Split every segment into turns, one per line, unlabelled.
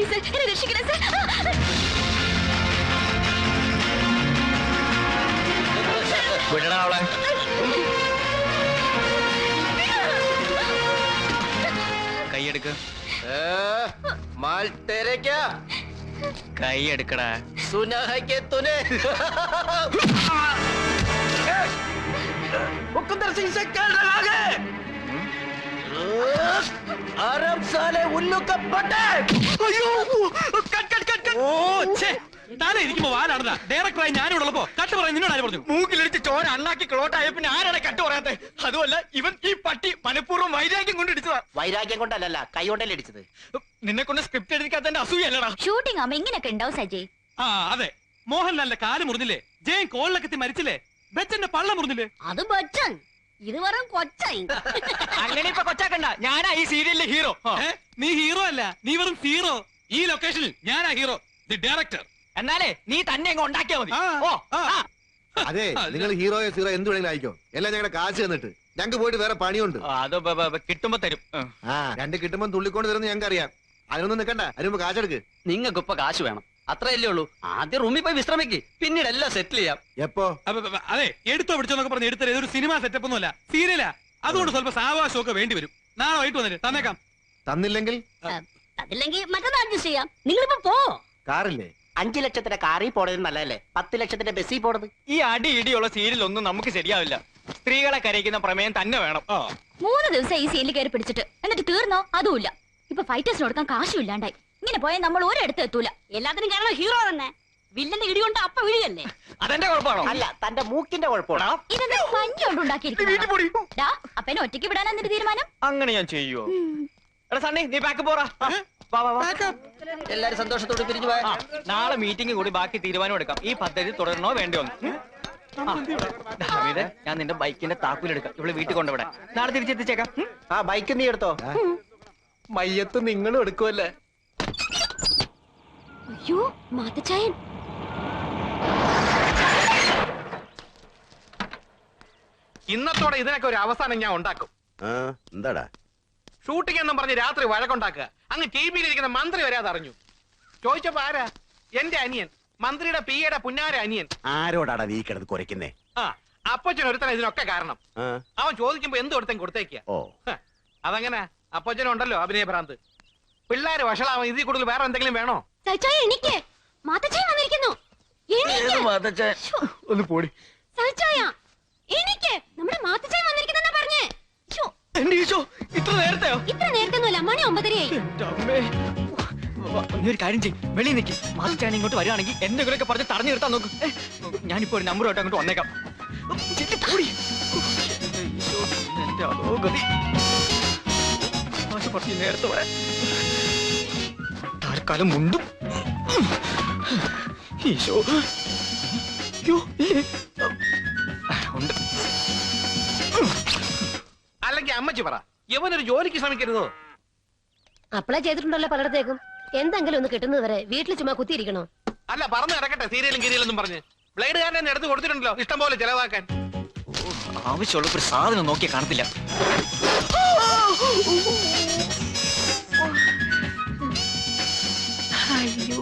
Please എന്നെ രക്ഷിക്കണേ sir.
വിടടാ അവളെ. കൈയെടുക്ക്.
माल तेरे क्या
കൈ എടുക്കടാ.
सुना है कि तूने मुकुंदर सिंह से कल रहा है आराम साले उल्लू का बटे.
താനെ ഇരിക്കുമ്പോ വാലാണതാ ഡയറക്ടറായി ഞാനിവിടെ ഉള്ളപ്പോ കട്ട് പറയാൻ നിന്നോട് ആര് പറഞ്ഞു?
മൂക്കിലിടിച്ച് ചോര അണ്ണാക്കി ക്ലോട്ടായ പിന്നെ ആരാണ് കട്ട് പറയാത്തെ? അതുമല്ല ഇവൻ ഈ പട്ടി മനഃപൂർവ്വം വൈരാഗ്യം കൊണ്ട് ഇടിച്ചതാ.
വൈരാഗ്യം കൊണ്ടല്ല കൈ കൊണ്ടല്ലേ ഇടിച്ചത്.
നിന്നെ കൊണ്ട് സ്ക്രിപ്റ്റ് എഴുതിക്കാത്തന്റെ അസൂയല്ലടാ.
ഷൂട്ടിംഗ് ആവുമ്പോ ഇങ്ങനെയൊക്കെ ഉണ്ടാവും സജയ്.
ആ അതെ, മോഹൻലാലിന്റെ കാല് മുറിഞ്ഞില്ലേ, ജയൻ കോളിലൊക്കെ മരിച്ചില്ലേ, ബച്ചന്റെ പള്ള മുറിഞ്ഞില്ലേ?
അത് ബച്ചൻ, ഇത് വെറും കൊച്ചായി.
അങ്ങനെ ഇപ്പൊ കൊച്ചാക്കണ്ട, ഞാനാ ഈ സീരിയലിലെ ഹീറോ.
നീ ഹീറോ അല്ല, നീ വെറും സീറോ. ഈ ലൊക്കേഷനിൽ ഞാനാ ഹീറോ, ദി ഡയറക്ടർ.
എന്നാലേ നീ തന്നെ അങ്ങ് ഉണ്ടാക്കിയാ മതി.
അതെ, നിങ്ങൾ ഹീറോയോ സീറോ എന്ത് വേണമെങ്കിലും ആയിക്കോ, എല്ലാം ഞങ്ങളുടെ കാശ് തന്നിട്ട് ഞങ്ങൾക്ക് പോയിട്ട് വേറെ പണിയുണ്ട്.
അത് കിട്ടുമ്പോ തരും.
രണ്ട് കിട്ടുമ്പോൾ തുള്ളിക്കൊണ്ട് തരുന്ന ഞങ്ങൾക്ക് അറിയാം. അതിനൊന്നും നിൽക്കണ്ട, അതിനുമ്പ് കാശെടുക്ക്.
നിങ്ങൾക്ക് ഇപ്പൊ കാശ് വേണം, അത്രയല്ലേ ഉള്ളൂ. ആദ്യം റൂമിൽ പോയി വിശ്രമിക്ക്, പിന്നീട് എല്ലാം സെറ്റിൽ ചെയ്യാം.
എപ്പോ?
അതെ, എടുത്തോ പിടിച്ചോന്നൊക്കെ പറഞ്ഞ് എടുത്തത് ഇതൊരു സിനിമ സെറ്റപ്പ് ഒന്നുമല്ല, സീരിയലാ. അതുകൊണ്ട് സ്വല്പ സാവകാശമൊക്കെ വേണ്ടി വരും. നാളെ വൈകിട്ട് വന്നിട്ട് തന്നേക്കാം.
തന്നില്ലെങ്കിൽ
അതില്ലെങ്കിൽ മറ്റന്നാൾ അഡ്ജസ്റ്റ് ചെയ്യാം. നിങ്ങളിപ്പോ പോ.
കാറില്ലേ?
5 ലക്ഷത്തിന്റെ കാറിൽ പോണത് നല്ലതല്ലേ, 10 ലക്ഷത്തിന്റെ ബസ്സിൽ പോണത്.
ഈ അടി ഇടിയുള്ള സീരിയൽ ഒന്നും നമുക്ക് ശരിയാവില്ല. സ്ത്രീകളെ കരയിക്കുന്ന പ്രമേയം തന്നെ വേണം.
3 ദിവസം ഈ സീനിൽ കയറി പിടിച്ചിട്ട് എന്നിട്ട് തീർന്നോ? അതുമില്ല. ഇപ്പൊ ഫൈറ്റേഴ്സിന് കൊടുക്കാൻ കാശും ഇല്ലാണ്ടായി. ഇങ്ങനെ പോയാൽ നമ്മൾ ഒരിടത്ത് എത്തൂല. എല്ലാത്തിനും കാരണം ഹീറോ തന്നെ. വില്ലന്റെ ഇടി കൊണ്ട് അപ്പ വിളിയല്ലേ?
അതെന്റെ കുഴപ്പമാണോ?
അല്ല, തന്റെ മൂക്കിന്റെ കുഴപ്പമാണോ?
ഇതെന്താ പഞ്ഞി കൊണ്ടുണ്ടാക്കിയിരിക്കുന്നു? അപ്പനെ ഒറ്റയ്ക്ക് വിടാനാ നിന്റെ തീരുമാനം?
അങ്ങനെ ഞാൻ ചെയ്യുവോ? എടാ സണ്ണി, നീ ബാക്ക് പോറാ.
എല്ലാരും സന്തോഷത്തോടെ പിരിഞ്ഞു പോയാ.
നാളെ മീറ്റിംഗ് കൂടി ബാക്കി തീരുമാനം എടുക്കാം. ഈ പദ്ധതി തുടരണോ വേണ്ടോ? ഹമീദേ, ഞാൻ നിന്റെ ബൈക്കിന്റെ താക്കോലെടുക്കാം. ഇവിടെ വീട്ടിൽ കൊണ്ടുവിടെ നാളെ തിരിച്ചെത്തിച്ചേക്കാം.
ആ ബൈക്ക് നീ എടുത്തോ. മയ്യത്ത് നിങ്ങളും എടുക്കുമല്ലേ?
അയ്യോ മാത്തച്ചായൻ.
ഇന്നത്തോടെ ഇതിനൊക്കെ ഒരു അവസാനം ഞാൻ ഉണ്ടാക്കും.
എന്താടാ
ഷൂട്ടിംഗ് എന്നും പറഞ്ഞ് രാത്രി വഴക്കുണ്ടാക്കുക. അങ്ങ് ടി വിയിലിരിക്കുന്ന മന്ത്രി വരാതെ അറിഞ്ഞു. ചോദിച്ചപ്പോ ആരാ? എന്റെ അനിയൻ, മന്ത്രിയുടെ പിയുടെ പുന്നാര അനിയൻ.
ആരോടാടാ നീ കിടന്ന് കുറയ്ക്കുന്നേ?
ആ അപ്പച്ചൻ ഒരുത്തന ഇതിനൊക്കെ കാരണം. അവൻ ചോദിക്കുമ്പോ എന്ത് കൊടുത്തേം കൊടുത്തേക്കുക. അതങ്ങനെ അപ്പച്ചനുണ്ടല്ലോ അഭിനയ ഭ്രാന്ത്. പിള്ളേര് വഷളാവൻ, ഇതിൽ കൂടുതൽ വേറെ എന്തെങ്കിലും വേണോ?
ഒന്ന് പോടി. ഇത്ര നേരത്തെയോ?
ഇത്ര നേരത്തെയൊന്നുമല്ല, മണി 9:30ആയി.
നീ ഒരു കാര്യം ചെയ്യും, വെളിയിൽ നിൽക്കി. മാറ്റാൻ ഇങ്ങോട്ട് വരികയാണെങ്കിൽ എന്തെങ്കിലുമൊക്കെ പറഞ്ഞ് തടഞ്ഞു നിർത്താൻ നോക്കും. ഞാനിപ്പോ ഒരു നമ്പറുമായിട്ട് അങ്ങോട്ട് വന്നേക്കാം. എന്റെ അതോ ഗതി. നേരത്തെ വരാൻ തൽക്കാലം മുണ്ടും. ഈശോ ഉണ്ട്.
അല്ലെങ്കിൽ അമ്മച്ചി പറ, യവനൊരു ജോലിക്ക് ശ്രമിക്കരുതോ?
അപ്ലൈ ചെയ്തിട്ടുണ്ടല്ലോ പലയിടത്തേക്കും. എന്തെങ്കിലും ഒന്ന് കിട്ടുന്നത് വരെ വീട്ടിൽ ചുമ്മാ കുത്തിയിരിക്കണോ?
അല്ല, പറഞ്ഞു നടക്കട്ടെ. സീരിയലും കീരിയലെന്നും പറഞ്ഞ് ബ്ലേഡുകാരനെ തന്നെ എടുത്ത് കൊടുത്തിട്ടുണ്ടല്ലോ ഇഷ്ടം പോലെ ചെലവാക്കാൻ.
ആവശ്യമുള്ള ഒരു സാധനം നോക്കിയാ കാണത്തില്ല. അയ്യോ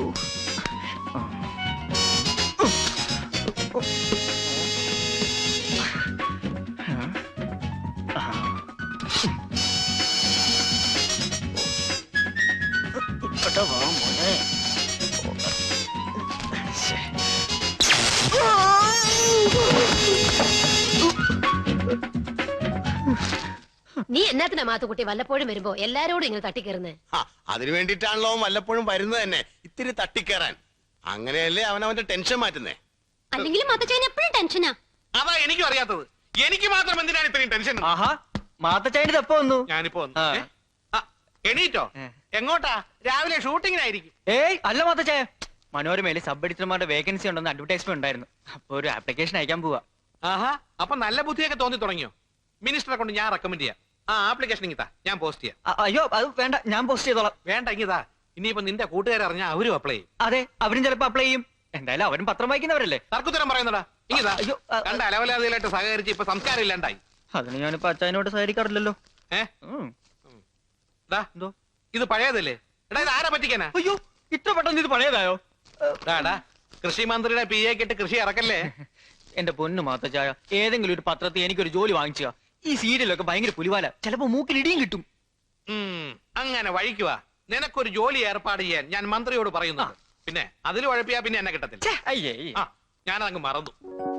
നീ എന്നാത്തിനാ മാത്തുക്കുട്ടി വല്ലപ്പോഴും വരുമ്പോ എല്ലാരോടും ഇങ്ങനെ തട്ടിക്കയറുന്നേ?
അതിനു വേണ്ടിട്ടാണല്ലോ വല്ലപ്പോഴും വരുന്നത് തന്നെ, ഇത്തിരി തട്ടിക്കയറാൻ. അങ്ങനെയല്ലേ അവനവന്റെ ടെൻഷൻ മാറ്റുന്നേ.
അല്ലെങ്കിലും മാത്തച്ചായൻ എപ്പോഴും ടെൻഷനാ.
അതാ എനിക്കും അറിയാത്തത്. എനിക്ക് മാത്രം എന്തിനാണ് ഇത്രയും ടെൻഷൻ?
ആഹാ, മാത്തച്ചായന്റെ എപ്പോ വന്നു?
ഞാനിപ്പോ എണീറ്റോ? എങ്ങോട്ടാ? രാവിലെ ഷൂട്ടിങ്ങിനായിരിക്കും.
ഏയ് അല്ല മാത്തച്ചായ, മനോരമയില് സബ് എഡിറ്റർമാരുടെ വേക്കൻസി ഉണ്ടെന്ന് അഡ്വർടൈസ്മെന്റ് ഉണ്ടായിരുന്നു. അപ്പൊ ഒരു ആപ്ലിക്കേഷൻ അയക്കാൻ പോവാ.
ആഹാ, അപ്പൊ നല്ല ബുദ്ധിയൊക്കെ തോന്നി തുടങ്ങിയോ? മിനിസ്റ്ററെ കൊണ്ട് ഞാൻ റെക്കമെൻഡ് ചെയ്യാം. ആ ആപ്ലിക്കേഷൻ ഇങ്ങിതാ, ഞാൻ പോസ്റ്റ് ചെയ്യാം.
അയ്യോ അത് വേണ്ട, ഞാൻ പോസ്റ്റ് ചെയ്തോളാം.
വേണ്ട, ഇങ്ങിതാ. ഇനിയിപ്പോ നിന്റെ കൂട്ടുകാരറിഞ്ഞാൽ അവരും അപ്ലൈ ചെയ്യും.
അതെ, അവരും ചിലപ്പോ അപ്ലൈ ചെയ്യും. എന്തായാലും അവരും പത്രം വായിക്കുന്നവരല്ലേ.
തർക്കുത്തരം പറയുന്നടാ. ഇങ്ങിതാ,
അയ്യോ
കണ്ട അലവലാതിയിലായിട്ട് സഹകരിച്ച് ഇപ്പൊ സംസ്കാരം ഇല്ലാണ്ടായി.
അതിന് ഞാനിപ്പോ അച്ഛനോട് സഹകരിക്കാറില്ലല്ലോ.
എന്തോ ഇത് പഴയതല്ലേ? എടാ, ഇത് ആരാ പറ്റിക്കാനാ?
അയ്യോ, ഇത്ര പെട്ടെന്ന് ഇത് പഴയതായോ?
ഡാടാ കൃഷി മന്ത്രിയുടെ PA കിട്ട് കൃഷി ഇറക്കല്ലേ.
എന്റെ പൊന്നു മാത്തച്ചായ, ഏതെങ്കിലും ഒരു പത്രത്തിൽ എനിക്കൊരു ജോലി വാങ്ങിച്ചുക. ഈ സീരിയലൊക്കെ ഭയങ്കര പുലിവാല, ചിലപ്പോ മൂക്കിൽ ഇടിയും കിട്ടും.
അങ്ങനെ വഴിക്കുക. നിനക്കൊരു ജോലി ഏർപ്പാട് ചെയ്യാൻ ഞാൻ മന്ത്രിയോട് പറയുന്നു. പിന്നെ അതിൽ ഉഴപ്പിയാ പിന്നെ എന്നെ കിട്ടത്തില്ല.
അയ്യേ,
ആ ഞാനതങ്ങ് മറന്നു.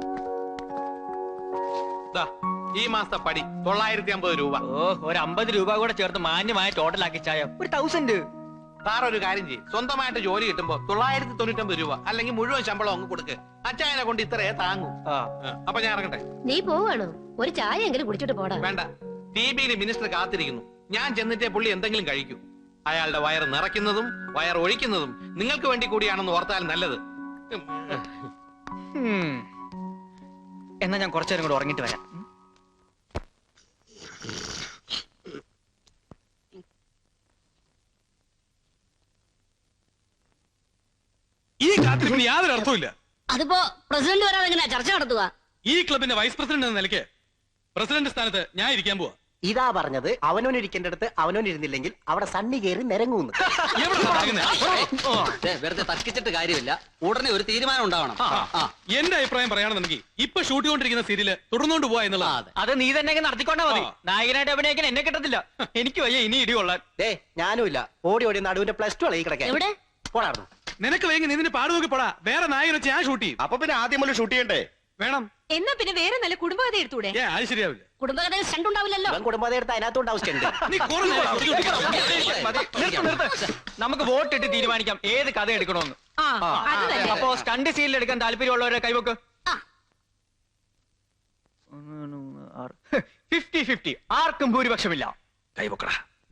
ദാ, ഈ മാസത്തെ പടി 950 രൂപ.
ഓ, ഒരു 50 രൂപ കൂടെ ചേർത്ത് മാന്യമായ ടോട്ടലാക്കി ചായ ഒരു 1000.
സാർ ഒരു കാര്യം ചെയ്യും, സ്വന്തമായിട്ട് ജോലി കിട്ടുമ്പോ 999 രൂപ അല്ലെങ്കിൽ മുഴുവൻ ശമ്പളം അങ്ങ് കൊടുക്ക്. അച്ചായനെ കൊണ്ട് ഇത്രയേ താങ്ങൂ. അപ്പൊ ഞാൻ ഇറങ്ങട്ടെ.
നീ പോവാണോ? ഒരു ചായ എങ്കിലും കുടിച്ചിട്ട് പോടാ.
വേണ്ട, TVയിൽ മിനിസ്റ്റർ കാത്തിരിക്കുന്നു. ഞാൻ ചെന്നിട്ടേ പുള്ളി എന്തെങ്കിലും കഴിക്കൂ. അയാളുടെ വയർ നിറയ്ക്കുന്നതും വയർ ഒഴിക്കുന്നതും നിങ്ങൾക്ക് വേണ്ടി കൂടിയാണെന്ന് ഓർത്താൽ നല്ലത്.
എന്നാ ഞാൻ കുറച്ചേരം കൂടെ ഉറങ്ങിട്ട് വരാം.
ഈ കാത്തിരിപ്പിന് യാതൊരു അർത്ഥമില്ല.
അതിപ്പോ പ്രസിഡന്റ് വരാതെ എങ്ങനെയാ ചർച്ച നടത്തുക?
ഈ ക്ലബിന്റെ വൈസ് പ്രസിഡന്റ് എന്ന നിലയ്ക്ക് പ്രസിഡന്റ് സ്ഥാനത്ത് ഞാൻ ഇരിക്കാൻ പോവാ.
ഇതാ പറഞ്ഞത്, അവനോൻ ഇരിക്കേണ്ടടുത്ത് അവനോൻ ഇരുന്നില്ലെങ്കിൽ അവിടെ സണ്ണി കയറി നിരങ്ങൂന്ന്. വെറുതെ തർക്കിച്ചിട്ട് കാര്യമില്ല, ഉടനെ ഒരു തീരുമാനം ഉണ്ടാവണം.
എന്റെ അഭിപ്രായം പറയുകയാണെന്നുണ്ടെങ്കിൽ ഇപ്പൊ ഷൂട്ട് ചെയ്തുകൊണ്ടിരിക്കുന്ന സീരിയല് തുടർന്നുകൊണ്ട് പോവാ എന്നുള്ളത്.
അത് നീ തന്നെ നടത്തിക്കൊണ്ടാ മതി. നായകനായിട്ട് അഭിനയിക്കാൻ എന്നെ കിട്ടത്തില്ല. എനിക്ക് വയ്യ ഇനി ഇടികൊള്ളാൻ.
ഞാനുമില്ല, ഓടി ഓടി നടുവിന്റെ +2 ഈ കിടക്കാൻ.
എവിടെ
പോടായിരുന്നു.
നിനക്ക് വേഗം നിന്നെ പാട് നോക്കി പോടാ. വേറെ നായകൻ വെച്ച് ഞാൻ ഷൂട്ട് ചെയ്യും.
അപ്പൊ പിന്നെ ആദ്യം മുതൽ ഷൂട്ട് ചെയ്യണ്ടേ?
വേണം.
എന്നാ പിന്നെ വേറെ നല്ല കുടുംബകഥ എടുത്തൂടെ?
അത് ശരിയാവില്ല.
കുടുംബകഥയിൽ സ്റ്റണ്ട് ഉണ്ടാവില്ലല്ലോ.
ഇവൻ കുടുംബത്തെ എടുത്ത് അതിനകത്തോണ്ട് ആവശ്യമുണ്ട്.
നീ കുറഞ്ഞ
നമുക്ക് വോട്ടിട്ട് തീരുമാനിക്കാം ഏത് കഥ എടുക്കണമെന്ന്. അപ്പോ സ്റ്റണ്ട് സീനിൽ എടുക്കാൻ താല്പര്യമുള്ളവരെ കൈവക്ക്. 50-50, ആർക്കും ഭൂരിപക്ഷമില്ല.
കൈവക്കടാ.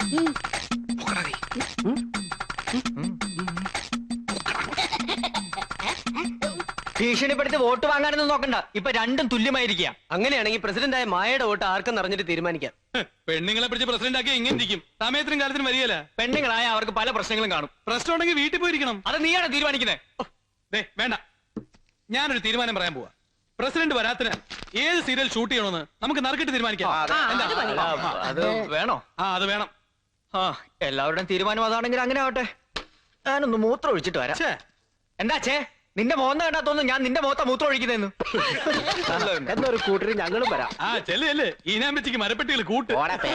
ഭീഷണിപ്പെടുത്തി വോട്ട് വാങ്ങാനൊന്നും നോക്കണ്ട. ഇപ്പൊ രണ്ടും തുല്യമായിരിക്കുക.
അങ്ങനെയാണെങ്കിൽ പ്രസിഡന്റായ മായയുടെ വോട്ട് ആർക്കും അറിഞ്ഞിട്ട് തീരുമാനിക്കാം.
പെണ്ണുങ്ങളെ പിടിച്ച് പ്രസിഡന്റ് ആക്കി ഇങ്ങനെ ഇരിക്കും. സമയത്തിനും കാലത്തിനും വരികയല്ല.
പെണ്ണുങ്ങളായ അവർക്ക് പല പ്രശ്നങ്ങളും കാണും.
പ്രശ്നം ഉണ്ടെങ്കിൽ വീട്ടിൽ പോയിരിക്കണം.
അത് നീയാണ് തീരുമാനിക്കുന്നത്.
വേണ്ട, ഞാനൊരു തീരുമാനം പറയാൻ പോവാ. പ്രസിഡന്റ് വരാത്തിന് ഏത് സീരിയൽ ഷൂട്ട് ചെയ്യണമെന്ന് നമുക്ക് നറുക്കിട്ട് തീരുമാനിക്കാം.
അത് വേണോ?
അത് വേണം.
എല്ലാവരുടെയും തീരുമാനം അതാണെങ്കിൽ അങ്ങനെ ആവട്ടെ. ഞാനൊന്ന് മൂത്രം ഒഴിച്ചിട്ട് വരാം. എന്താ ചേ, നിന്റെ മോഹം കണ്ടാത്തോന്നു ഞാൻ നിന്റെ മുഖത്താ മൂത്രം ഒഴിക്കുന്നതെന്ന്.
എന്നൊരു കൂട്ടര് ഞങ്ങളും വരാം.
ചെല്ലേ ഈനാമ്പറ്റിക്ക് മരപ്പെട്ടികൾ കൂട്ട്.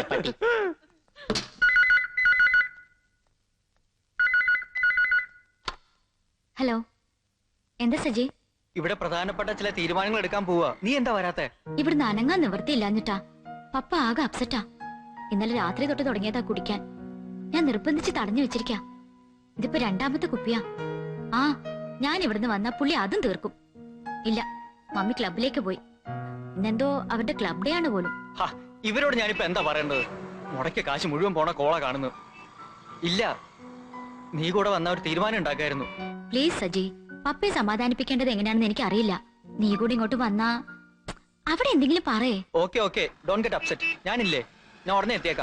ഹലോ, എന്താ സജി?
ഇവിടെ പ്രധാനപ്പെട്ട ചില തീരുമാനങ്ങൾ എടുക്കാൻ പോവാ. നീ എന്താ വരാത്തെ?
ഇവിടുന്ന് അനങ്ങാൻ നിവർത്തിയില്ലാഞ്ഞിട്ടാ. പപ്പ ആകെ അപ്സെറ്റാ. ഇന്നലെ രാത്രി തൊട്ട് തുടങ്ങിയതാ കുടിക്കാൻ. ഞാൻ നിർബന്ധിച്ച് തടഞ്ഞു വെച്ചിരിക്കാ. ഇതിപ്പോ 2ാമത്തെ കുപ്പിയാ. ഞാൻ ഇവിടുന്ന് വന്ന പുള്ളി അതും തീർക്കും. ഇല്ല, മമ്മി ക്ലബിലേക്ക് പോയി. ഇന്നെന്തോ അവരുടെ ക്ലബ് ഡേ ആണ് പോലും.
ഇവരോട് ഞാനിപ്പോ എന്താ പറയേണ്ടത്? മുടക്കിയ കാശ് മുഴുവൻ പോണ കോള കാണുന്നു. ഇല്ല, നീ കൂടെ വന്ന ഒരു തീരുമാനം ഉണ്ടാക്കായിരുന്നു.
പ്ലീസ് സജി, പപ്പയെ സമാധാനിപ്പിക്കേണ്ടത് എങ്ങനെയാണെന്ന് എനിക്ക് അറിയില്ല. നീ കൂടി ഇങ്ങോട്ട് വന്നാ അവിടെ എന്തെങ്കിലും പറയേ.
Okay, don't get upset. ഞാനില്ലേ, ഞാൻ ഉടനെ എത്തിയേക്കാം.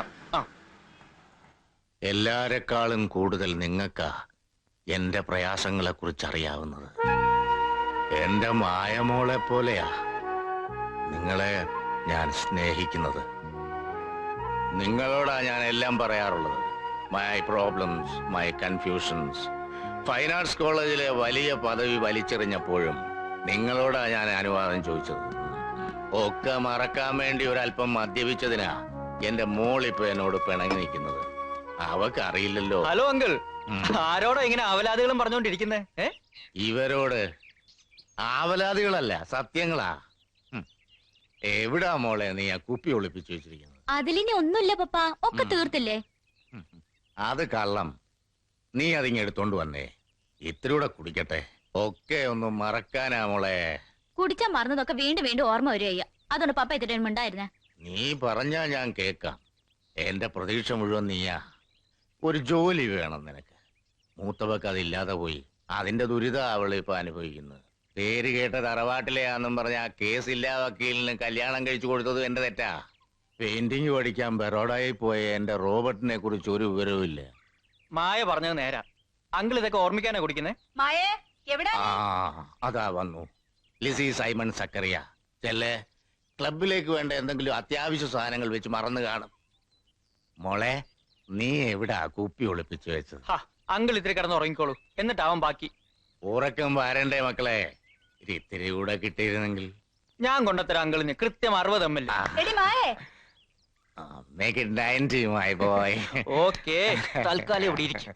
എല്ലാരെക്കാളും കൂടുതൽ നിങ്ങൾക്കാ എന്റെ പ്രയാസങ്ങളെ കുറിച്ച് അറിയാവുന്നത്. എന്റെ മായമോളെ പോലെയാ നിങ്ങളെ ഞാൻ സ്നേഹിക്കുന്നത്. നിങ്ങളോടാ ഞാൻ എല്ലാം പറയാറുള്ളത്. My problems, my confusions. Fine arts കോളേജിലെ വലിയ പദവി വലിച്ചെറിഞ്ഞപ്പോഴും നിങ്ങളോടാ ഞാൻ അനുവാദം ചോദിച്ചത്. ഒക്കെ മറക്കാൻ വേണ്ടി ഒരല്പം മദ്യപിച്ചതിനാ എന്റെ മോളിപ്പോ എന്നോട് പിണങ്ങി നിൽക്കുന്നത്. അവക്ക് അറിയില്ലല്ലോ.
ഹലോ അങ്കിൾ, ആരോടോ ഇങ്ങനെ അവലാദികളും പറഞ്ഞോണ്ടിരിക്കുന്നേ?
ഇവരോട് ആവലാദികളല്ല, സത്യങ്ങളാ. എവിടാ മോളെ നീ ആ കുപ്പി ഒളിപ്പിച്ചു വെച്ചിരിക്കുന്നത്?
അതിലിനി ഒന്നുമില്ല പപ്പ, ഒക്കെ തീർത്തില്ലേ.
അത് കള്ളം. നീ അതിങ്ങ് എടുത്തോണ്ട് വന്നേ. ഇത്തിരൂടെ കുടിക്കട്ടെ. ഒക്കെ ഒന്നും മറക്കാനാ മോളെ.
കുടിച്ചാ മറന്നതൊക്കെ വീണ്ടും വീണ്ടും ഓർമ്മ വരിക. അതുകൊണ്ട് പപ്പ ഇത്ര ഉണ്ടായിരുന്നേ.
നീ പറഞ്ഞാ ഞാൻ കേക്കാം. എന്റെ പ്രതീക്ഷ മുഴുവൻ നീയാ. ഒരു ജോലി വേണം നിനക്ക്. മൂത്തവക്ക് അതില്ലാതെ പോയി. അതിന്റെ ദുരിത അവളിപ്പോ അനുഭവിക്കുന്നത്. പേര് കേട്ട തറവാട്ടിലെയാന്നും പറഞ്ഞ ആ കേസില്ലാ വക്കീലിന് കല്യാണം കഴിച്ചു കൊടുത്തത് എന്റെ തെറ്റാ. പെയിന്റിങ് പഠിക്കാൻ ബറോഡയിൽ പോയ എന്റെ റോബർട്ടിനെ കുറിച്ച് ഒരു വിവരവും ഇല്ല.
മായ പറഞ്ഞത് നേരാ. അങ്കിൾ ഇതൊക്കെ ഓർമ്മിക്കാനാ കുടിക്കുന്നേ.
മായേ, എവിടെ?
അതാ വന്നു ലിസി സൈമൺ സക്കറിയ. ചെല്ലേ, ക്ലബിലേക്ക് വേണ്ട എന്തെങ്കിലും അത്യാവശ്യ സാധനങ്ങൾ വെച്ച് മറന്നു കാണും. മോളെ, നീ എവിടാ കുപ്പി ഒളിപ്പിച്ചു വെച്ചത്?
അങ്കിൾ ഇത്തിരി കിടന്ന് ഉറങ്ങിക്കോളൂ എന്നിട്ടാവും ബാക്കി.
ഉറക്കം വരണ്ടേ മക്കളെ? ഇത്തിരി കൂടെ കിട്ടിയിരുന്നെങ്കിൽ.
ഞാൻ കൊണ്ടുത്തരാം അങ്കിളിന് കൃത്യം 60 ml.
എടി മായേ,
Make it 90, my boy.
Okay, തൽക്കാലം ഇവിടെ ഇരിക്കും.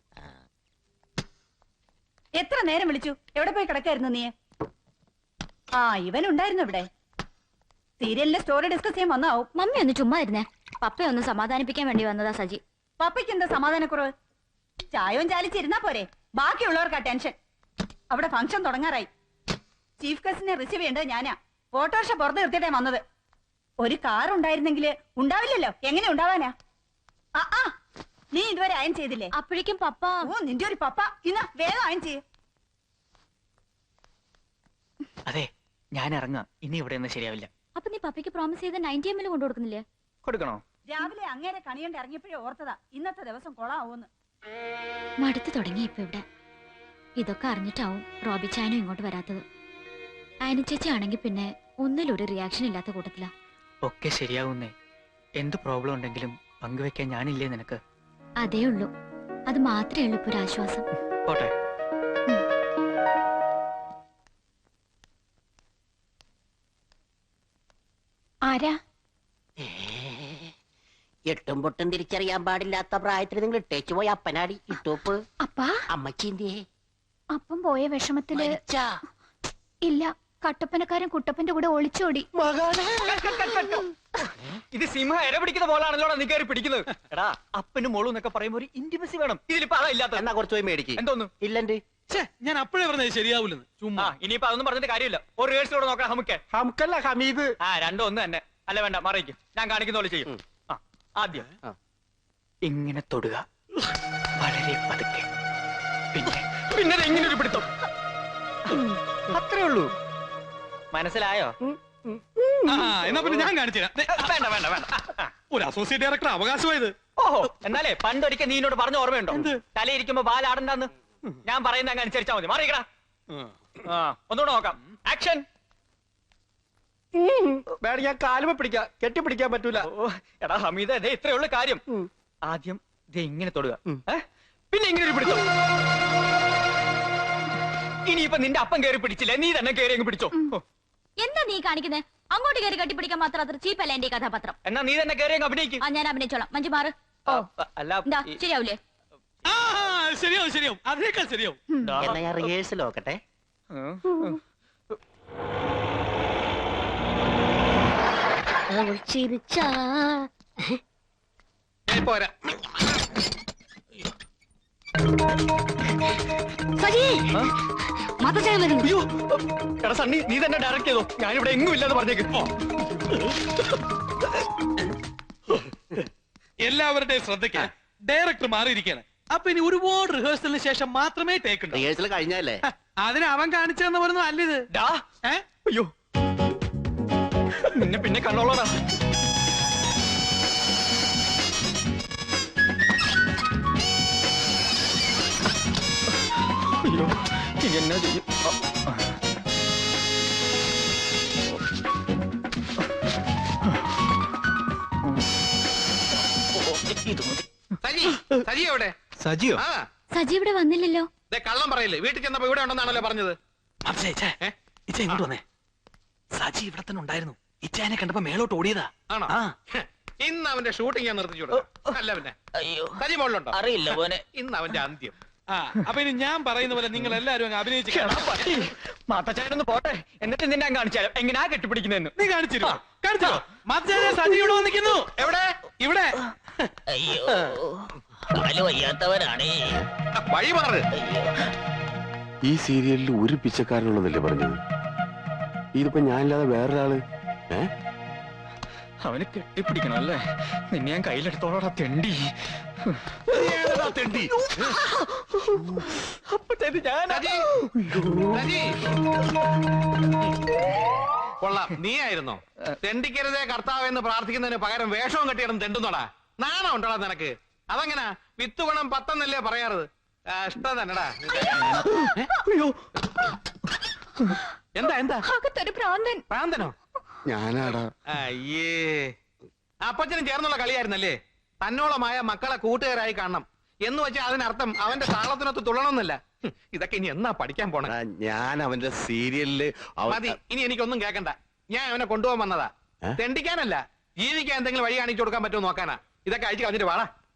എത്ര നേരം വിളിച്ചു? എവിടെ പോയി കിടക്കായിരുന്നു നീ? ആ, ഇവൻ ഉണ്ടായിരുന്നു ഇവിടെ. സീരിയലിന്റെ സ്റ്റോറി ഡിസ്കസ് ചെയ്യാൻ വന്നാവും.
മമ്മി ഒന്ന് ചുമ്മാ ഇരുന്നേ. പപ്പയെ ഒന്ന് സമാധാനിപ്പിക്കാൻ വേണ്ടി വന്നതാ സജി.
പപ്പയ്ക്ക് എന്താ സമാധാനക്കുറവ്? ചായവും ചാലിച്ചിരുന്നാ പോരെ, ബാക്കിയുള്ളവർക്കാ ടെൻഷൻ. അവിടെ ഫംഗ്ഷൻ തുടങ്ങാറായി. ചീഫ് ഗസ്റ്റിനെ റിസീവ് ചെയ്യേണ്ടത് ഞാനാ. ഓട്ടോറിക്ഷ പുറത്ത് നിർത്തിയിട്ടേ വന്നത്. ഒരു കാർ ഉണ്ടായിരുന്നെങ്കിൽ ഉണ്ടാവില്ലല്ലോ. എങ്ങനെ ഉണ്ടാവാനാ? ആ നീ ഇതുവരെ അയൺ ചെയ്തില്ലേ?
അപ്പോഴേക്കും പപ്പ.
ഓ, നിന്റെ ഒരു പപ്പ. ഇന്ന് വേഗം അയൺ ചെയ്യ്.
അതെ, ഞാൻ ഇറങ്ങാം. ഇനി ഇവിടെ ഒന്നും ശരിയാവില്ല.
അപ്പൊ നീ പപ്പയ്ക്ക് പ്രോമിസ് ചെയ്ത 90 ml കൊണ്ടു കൊടുക്കുന്നില്ലേ?
കൊടുക്കണോ?
രാവിലെ അങ്ങേരെ കണിയണ്ട് ഇറങ്ങിയപ്പോഴേ ഓർത്തതാ ഇന്നത്തെ ദിവസം കൊളാവൂന്ന്.
മടുത്തു തുടങ്ങി ഇപ്പൊ ഇവിടെ. ഇതൊക്കെ അറിഞ്ഞിട്ടാവും റോബി ചായനും ഇങ്ങോട്ട് വരാത്തത്. അയന ചേച്ചി ആണെങ്കിൽ പിന്നെ ഒന്നിലൊരു റിയാക്ഷൻ ഇല്ലാത്ത കൂട്ടത്തിലാ.
ഒക്കെ ശരിയാവുന്നേ. എന്ത് പ്രോബ്ലം ഉണ്ടെങ്കിലും പങ്കുവെക്കാൻ ഞാനില്ലേ നിനക്ക്?
അതേ ഉള്ളൂ. അത് മാത്രമേ ഉള്ളൂ ഇപ്പൊ ഒരു ആശ്വാസം.
പോട്ടെ.
ആരാ?
എട്ടും പൊട്ടും തിരിച്ചറിയാൻ പാടില്ലാത്ത പ്രായത്തിൽ നിങ്ങൾ ഇട്ടേച്ചു പോയി അപ്പനാടി ഇട്ടോപ്പ്.
അപ്പാ,
അമ്മച്ചിന്തേ
അപ്പം പോയ വിഷമത്തില് ഇല്ല. കട്ടപ്പനക്കാരൻ കുട്ടപ്പന്റെ കൂടെ ഒളിച്ചോടി.
ഇത് സിംഹ ഇര പിടിക്കുന്ന പോലാണല്ലോ നീ കയറി പിടിക്കുന്നത്. എടാ, അപ്പനും മോളും എന്നൊക്കെ പറയുമ്പോ ഒരു ഇന്റിമസി വേണം. ഇതിലിപ്പോ അതാ ഇല്ലാത്ത.
എന്നാ കുറച്ച് പോയി മേടിക്ക്.
എന്തോന്നു?
ഇല്ലണ്ട്.
ഞാൻ അപ്പോഴേ പറഞ്ഞത് ശരിയാവൂലെന്ന്. ചുമ്മാ
ഇനിയിപ്പോ അതൊന്നും പറഞ്ഞിട്ട് കാര്യമില്ല. ഒരു റിഹേഴ്സലോടെ നോക്കാം നമുക്ക്.
ഹംക്കല്ല ഹമീദ്.
രണ്ടും ഒന്ന് തന്നെ. അല്ല വേണ്ട, മറിയിക്കും. ഞാൻ കാണിക്കുന്ന പോലെ ചെയ്യും. ആദ്യം ഇങ്ങനെ തൊടുക, വളരെ പതുക്കെ. പിന്നെ എങ്ങനെ ഒരു പിടുത്തം. അത്രേ ഉള്ളൂ. മനസ്സിലായോ?
എന്നാ പിന്നെ ഞാൻ കാണിച്ചു തരാം.
വേണ്ട വേണ്ട വേണ്ട.
ഒരു അസോസിയേറ്റ് ഡയറക്ടർ അവകാശമായത്.
ഓഹോ, എന്നാലേ പണ്ടൊരിക്കൽ നീ എന്നോട് പറഞ്ഞ ഓർമ്മയുണ്ടോ? തലയിരിക്കുമ്പോ ബാലാടണ്ടെന്ന്. ഞാൻ പറയുന്ന അങ്ങ് അനുസരിച്ചാ മതി. മാറിക്കടാ. ഒന്നുകൂടെ നോക്കാം. ആക്ഷൻ.
വേണം ഞാൻ കാലുമ പിടിക്കാം, കെട്ടിപ്പിടിക്കാൻ പറ്റൂല.
എടാ ഹമീദ, ഇതേ ഇത്രേ ഉള്ളു കാര്യം. ആദ്യം ഇത് ഇങ്ങനെ തൊടുക, പിന്നെ ഇങ്ങനെ ഒരു പിടിച്ചോ. ഇനിയിപ്പൊ നിന്റെ അപ്പം കയറി പിടിച്ചില്ല, നീ തന്നെ കയറി അങ്ങ് പിടിച്ചോ.
എന്താ നീ കാണിക്കുന്നേ? അങ്ങോട്ട് കയറി കട്ടിപ്പിടിക്കാൻ മാത്രം അത്ര ചീപ്പല്ല എന്റെ കഥാപാത്രം.
എന്നാ നീ തന്നെ കയറി അങ്ങ് അഭിനയിക്കും.
ഞാൻ അഭിനയിച്ചോളാം. മഞ്ജു മാറ്.
അല്ല,
എന്താ ശരിയാവൂലേ?
ശരിയാവും ശരിയാവും, അതിനേക്കാൾ ശരിയാവും.
എന്നാ ഞാൻ റിഹേഴ്സൽ നോക്കട്ടെ.
പോരാ.
അയ്യോ, എടാ സണ്ണി, നീ തന്നെ ഡയറക്ട് ചെയ്തോ. ഞാനിവിടെ എങ്ങും ഇല്ലെന്ന് പറഞ്ഞേക്ക്.
എല്ലാവരുടെയും ശ്രദ്ധയ്ക്ക് ഡയറക്ടർ മാറിയിരിക്കുകയാണ്. അപ്പൊ ഇനി ഒരുപാട് റിഹേഴ്സലിന് ശേഷം മാത്രമേ ടേക്ക് ഉണ്ടാവൂ.
റിഹേഴ്സൽ കഴിഞ്ഞല്ലേ?
അതിന് അവൻ കാണിച്ചെന്ന് പറഞ്ഞു അല്ലിത്.
അയ്യോ, നിന്നെ പിന്നെ കണ്ടോളാ. അയ്യോ, എന്നാ ചെയ്യും?
സജി, സജി എവിടെ?
സജിയോ?
സജി ഇവിടെ വന്നില്ലല്ലോ.
കള്ളം പറയില്ലേ? വീട്ടിൽ ചെന്നപ്പോ ഇവിടെ ഉണ്ടെന്നാണല്ലോ പറഞ്ഞത്.
ഇങ്ങോട്ട് വന്നേ. സജി ഇവിടെ തന്നെ ഉണ്ടായിരുന്നു. ഇച്ചാനെ കണ്ടപ്പോ മേലോട്ട് ഓടിയതാ.
ആണോ? ഇന്ന് അവന്റെ ഷൂട്ടിംഗ് ഞാൻ നിർത്തിച്ചു കൊടുക്കാം. അല്ല പിന്നെ സജി മോളിലുണ്ടോ?
അറിയില്ല പോനെ.
ഇന്ന് അവന്റെ അന്ത്യം.
അപ്പൊ ഇനി ഞാൻ പറയുന്ന പോലെ നിങ്ങൾ എല്ലാരും അങ്ങ് അഭിനയിച്ചു.
മാത്തച്ചായനൊന്ന് പോട്ടെ, എന്നിട്ട് നിന്നെ ഞാൻ കാണിച്ചാലോ എങ്ങനെയാ കെട്ടിപ്പിടിക്കുന്നതെന്ന്.
നീ കാണിച്ചിരുന്നോ? കാണിച്ചോ? മാത്തച്ചായ സജി ഇവിടെ വന്നിരിക്കുന്നു.
എവിടെ?
ഇവിടെ.
അയ്യോ, കാല് വയ്യാത്തവരാണേ.
വഴി മാറ്.
ഈ സീരിയലിൽ ഒരു പിച്ചക്കാരനുള്ളതല്ലേ പറഞ്ഞത്? ഇതിപ്പോ ഞാനില്ലാതെ വേറൊരാള്.
അവന് കെട്ടിപ്പിടിക്കണം അല്ലേ? നിന്നെ ഞാൻ കയ്യിലെടുത്തോളാ തെണ്ടി.
തെണ്ടി
കൊള്ളാം, നീ ആയിരുന്നോ? തെണ്ടിക്കരുതേ കർത്താവെന്ന് പ്രാർത്ഥിക്കുന്നതിന് പകരം വേഷവും കെട്ടിയിടം തെണ്ടുന്നോടാ. നാണം ഉണ്ടോടാ നിനക്ക്? അതെങ്ങനാ? വിത്ത് ഗുണം 10 എന്നല്ലേ പറയാറ്? ഇഷ്ടം തന്നെടാ. എന്താ എന്താ? പ്രാന്തനോ?
ഞാനാടാ.
അയ്യേ, അപ്പച്ചനും ചേർന്നുള്ള കളിയായിരുന്നല്ലേ? തന്നോളമായ മക്കളെ കൂട്ടുകാരായി കാണണം. എന്ന് വെച്ചാൽ അതിനർത്ഥം അവന്റെ താളത്തിനൊത്ത് തുള്ളണമെന്നല്ല. ഇതൊക്കെ ഇനി എന്നാ പഠിക്കാൻ പോണേ?
ഞാൻ അവന്റെ സീരിയലില്
മതി, ഇനി എനിക്കൊന്നും കേക്കണ്ട. ഞാൻ അവനെ കൊണ്ടുപോകാൻ വന്നതാ. തെണ്ടിക്കാനല്ല, ജീവിക്കാൻ എന്തെങ്കിലും വഴി കാണിച്ചു കൊടുക്കാൻ പറ്റുമോ നോക്കാനാ. ഇതൊക്കെ അഴിച്ചു കളഞ്ഞിട്ട് വാടാ.